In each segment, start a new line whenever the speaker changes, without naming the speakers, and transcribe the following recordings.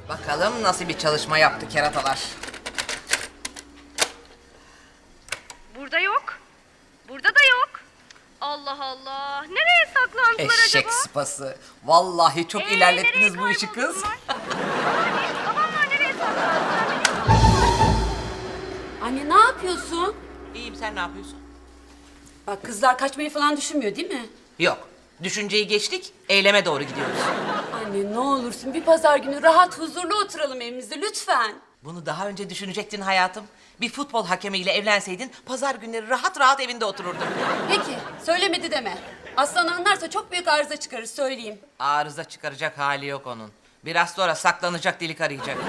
Bakalım nasıl bir çalışma yaptı keratalar.
Burada yok. Burada da yok. Allah Allah. Nereye saklandılar
Eşek
acaba?
sıpası. Vallahi çok ilerlettiniz
nereye
bu işi kız.
kayboldular? Babamlar nereye saklandılar?
Anne ne yapıyorsun?
İyiyim, sen ne yapıyorsun?
Bak kızlar kaçmayı falan düşünmüyor değil mi?
Yok. Düşünceyi geçtik, eyleme doğru gidiyoruz.
Anne ne olursun bir pazar günü rahat huzurlu oturalım evimizde lütfen.
Bunu daha önce düşünecektin hayatım. Bir futbol hakemiyle evlenseydin pazar günleri rahat rahat evinde otururdun.
Peki söylemedi deme. Aslan anlarsa çok büyük arıza çıkarır söyleyeyim.
Arıza çıkaracak hali yok onun. Biraz sonra saklanacak delik arayacak.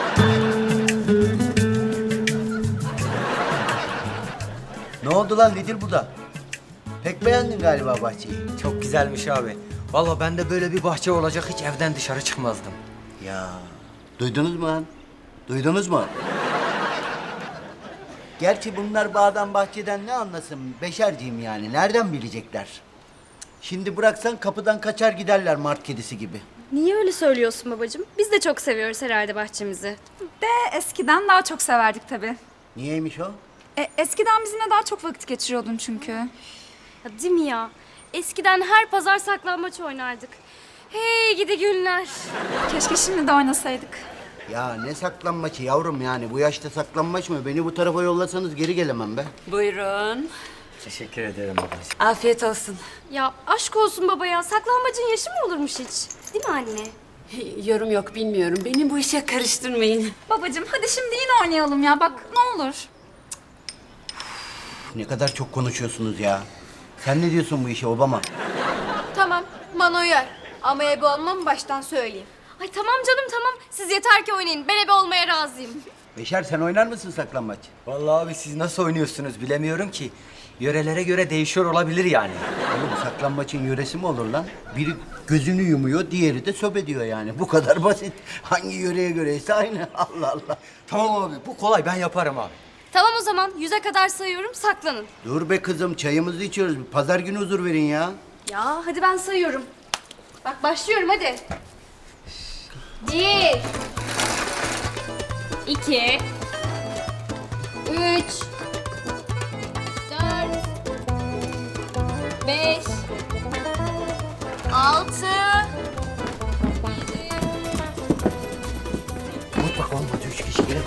Ne oldu lan nedir bu da? Pek beğendin galiba bahçeyi.
Çok güzelmiş abi. Vallahi ben de böyle bir bahçe olacak hiç evden dışarı çıkmazdım.
Ya duydunuz mu lan? Duydunuz mu? Gerçi bunlar bağdan bahçeden ne anlasın? Beşerciğim yani. Nereden bilecekler? Şimdi bıraksan kapıdan kaçar giderler mart kedisi gibi.
Niye öyle söylüyorsun babacığım? Biz de çok seviyoruz herhalde bahçemizi.
De eskiden daha çok severdik tabii.
Niyeymiş o?
Eskiden bizimle daha çok vakit geçiriyordun çünkü.
Ya, değil mi ya? Eskiden her pazar saklambaç oynardık. Hey gidi günler.
Keşke şimdi de oynasaydık.
Ya ne saklanmaçı yavrum yani. Bu yaşta saklanmaç mı? Beni bu tarafa yollasanız geri gelemem be.
Buyurun.
Teşekkür ederim ablacığım.
Afiyet olsun.
Ya aşk olsun baba ya. Saklambacın yaşı mı olurmuş hiç? Değil mi anne?
Yorum yok bilmiyorum. Beni bu işe karıştırmayın.
Babacığım hadi şimdi yine oynayalım ya bak ne olur.
Ne kadar çok konuşuyorsunuz ya. Sen ne diyorsun bu işe Obama?
Tamam, bana uyar. Ama ebe olmam baştan söyleyeyim.
Ay tamam canım tamam. Siz yeter ki oynayın. Ben ebe olmaya razıyım.
Beşer sen oynar mısın saklambaç?
Vallahi abi siz nasıl oynuyorsunuz bilemiyorum ki. Yörelere göre değişiyor olabilir yani.
Oğlum saklambaçın yöresi mi olur lan? Biri gözünü yumuyor, diğeri de söp ediyor yani. Bu kadar basit. Hangi yöreye göreyse aynı. Allah Allah.
Tamam abi bu kolay ben yaparım abi.
Tamam o zaman 100'e kadar sayıyorum saklanın.
Dur be kızım, çayımızı içiyoruz. Pazar günü huzur verin ya.
Ya hadi ben sayıyorum. Bak başlıyorum hadi. 1 2 3 4 5 6
Mutlak olmadı, 3 kişi gelebilir.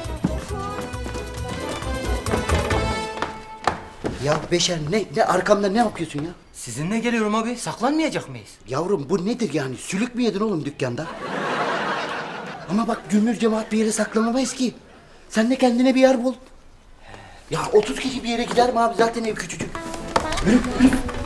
Ya Beşer ne arkamda ne yapıyorsun ya?
Sizinle geliyorum abi saklanmayacak mıyız?
Yavrum bu nedir yani? Sülük mü yedin oğlum dükkanda? Ama bak cümbür cemaat bir yere saklanamayız ki. Sen de kendine bir yer bul. Ya 30 kişi bir yere gider mi abi? Zaten ev küçücük. Yürü, yürü.